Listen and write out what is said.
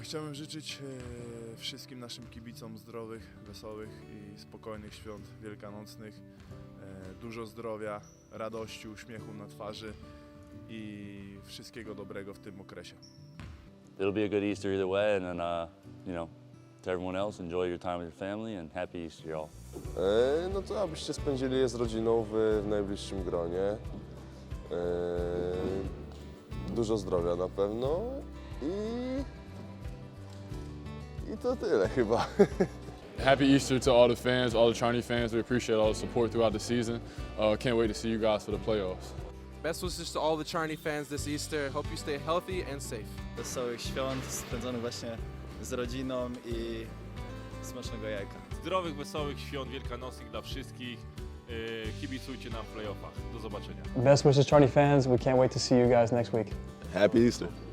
Chciałbym życzyć wszystkim naszym kibicom zdrowych, wesołych i spokojnych świąt wielkanocnych. Dużo zdrowia, radości, uśmiechu na twarzy i wszystkiego dobrego w tym okresie. It'll be a good Easter either way, and then, you know, to everyone else, enjoy your time with your family and happy Easter, y'all. No to abyście spędzili je z rodziną w najbliższym gronie. Dużo zdrowia na pewno i to tyle chyba. Happy Easter to all the fans, all the Charney fans. We appreciate all the support throughout the season. Can't wait to see you guys for the playoffs. Best wishes to all the Charney fans this Easter. Hope you stay healthy and safe. Wesołych świąt spędzonych właśnie z rodziną i smacznego jajka. Zdrowych, wesołych świąt wielkanocnych dla wszystkich. Kibicujcie nam w playoffach. Do zobaczenia. Best wishes, Charney fans. We can't wait to see you guys next week. Happy Easter.